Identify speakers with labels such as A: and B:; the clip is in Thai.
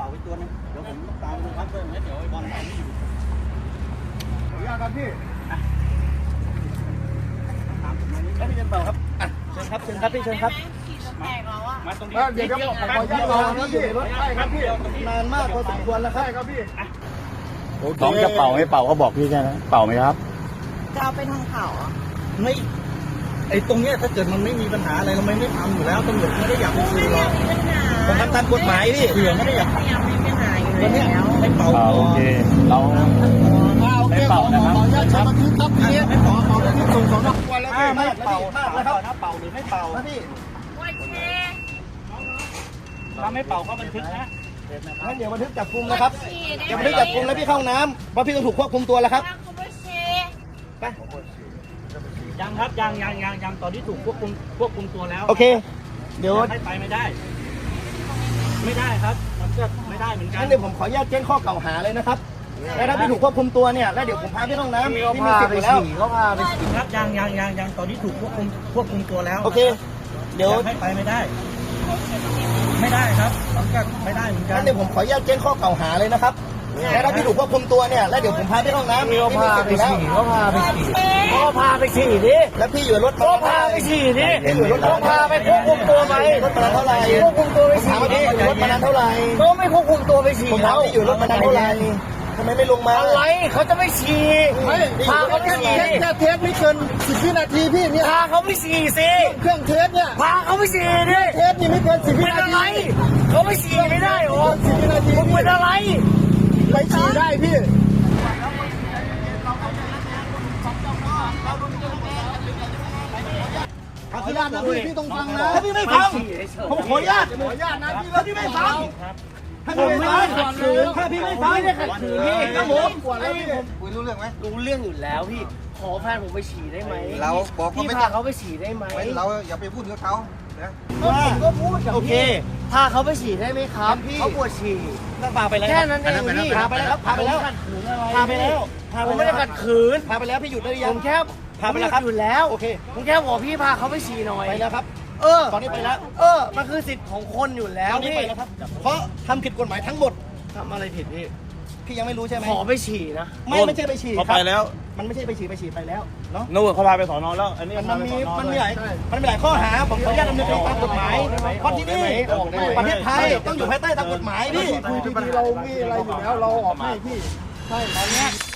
A: ป่าไปตัวนึงเดี๋ยวผมตามดูครับเพื่อนเดี๋ยวไอ้บอลไปไม่อยู่ขออนุญาตครับพี่ตามผมมานี่ครับพี่เจนเป่าครับเชิญครับเชิญครับพี่เชิญครับมาตรงนี้เดี๋ยวผมขออนุญาตรอครับพี่รถใช่ครับพี่นานมากพอสมควรแล้วครับครับพี่น้องจะเป่าไม่เป่าเขาบอกพี่ใช่ไหมเป่าไหมครับ
B: จะเอาไปทางเขา
A: ไม่ไอ้ตรงเนี้ยถ้าเกิดมันไม่มีปัญหาอะไรเราไม่ทำอยู่แล้วตำรวจไม่ได้อยากไปซื้อหรอกผมทำตามกฎหมายพี่เผื่อไม่ได้อยากทำ
B: ไม่มีปัญหาอยู่แล้ว
A: ไม่เป่า
C: โอเคเราไม่เป่านะครับ
A: ครับไม่เป่าที่ส่งสองวันแล้วไม่เป่านะครับถ้าเป่าหรือไม่เป่าพี่ถ้าไม่เป่าก็บันทึกนะงั้นเดี๋ยวบันทึกจับกุมนะครับเดี๋ยวบันทึกจับกุมแล้วพี่เข้าน้ำเพราะพี่ต้องถูกควบคุมตัวแล้วครับไปยังครับยังตอนนี้ถูกควบคุมตัวแล้วโอเคเดี๋ยวไปไม่ได้ครับมันก็ไม่ได้เหมือนกันงั้นเดี๋ยวผมขออนุญาตแจ้งข้อกล่าวหาเลยนะครับแล้วถ้าพี่ถูกควบคุมตัวเนี่ยแล้วเดี๋ยวผมพาพี่ห้องน้ำพี่มีสิทธิ์อยู่แล้วเขาพาไปฉี่ครับยังตอนนี้ถูกควบคุมตัวแล้วโอเคเดี๋ยวไปไม่ได้ครับมันก็ไม่ได้เหมือนกันงั้นเดี๋ยวผมขออนุญาตแจ้งข้อกล่าวหาเลยนะครับแล้วถ้าพี่ถูกควบคุมตัวเนี่ยแล้วเดี๋ยวผมพาพี่ห้องน้ำพี่มีสิทธิ์อยู่แล้วเขาพาไปฉี่ดิแล้วพี่อยู่รถก็พาไปฉี่ดิพี่อยู่รถก็พาไปควบคุมตัวไปรถมานานเท่าไหร่ควบคุมตัวไปฉี่ถามว่าพี่อยู่รถมานานเท่าไหร่ก็ไม่ควบคุมตัวไปฉี่ผมถามพี่อยู่รถมานานเท่าไหร่ทำไมไม่ลงมาอะไรเขาจะไม่ฉี่พาเขาไปฉี่แค่เทสไม่เกิน10 วินาทีพี่เนี่ยพาเขาไปฉี่สิเครื่องเทสเนี่ยพาเขาไปฉี่ดิเทสนี่ไม่เกิน10 วินาทีเขาไม่ฉี่ไม่ได้หรอ10 วินาทีมึงเป็นอะไรไปฉี่ได้พี่ขออนุญาตนะพี่ต้องฟังนะถ้าพี่ไม่ฟังผมขออนุญาตนะพี่แล้วพี่ไม่ฟังถ้าพี่ไม่ฟังถ้าพี่ไม่ฟังไม่ได้ขัดขืนพี่ครับผมคุยรู้เรื่องไหมรู้เรื่องอยู่แล้วพี่ขอแฟนผมไปฉี่ได้ไหมเราบอกเขาไม่พาเขาไปฉี่ได้ไหมเราอย่าไปพูดกับเขานะผมก็พูดโอเคพาเขาไปฉี่ได้ไหมครับเขาปวดฉี่ต้องพาไปแล้วแค่นั้นเองพี่พาไปแล้วครับพาไปแล้วพาไปแล้วผมไม่ได้ขัดขืนพาไปแล้วพี่หยุดได้ยังผมแค่พาไปแล้วครับหยุดแล้วโอเคผมแค่บอกพี่พาเขาไปฉี่หน่อยไปแล้วครับตอนนี้ไปแล้วมันคือสิทธิ์ของคนอยู่แล้วพี่เพราะทำผิดกฎหมายทั้งหมดทำอะไรผิดพี่ยังไม่รู้ใช่ไหมขอไปฉี่นะไม่ใช่ไปฉี่เขาไปแล้วมันไม่ใช่ไปฉี่ไปแล้วเนาะนู่นเขาพาไปสอนอแล้วอันนี้มันมีหลายข้อหาผมขออนุญาตดำเนินคดีตามกฎหมายเพราะที่นี่ประเทศไทยต้องอยู่ภายใต้ตามกฎหมายพี่คุยดีๆเรามีอะไรอยู่แล้วเราออกให้พี่ใช่ตอนนี้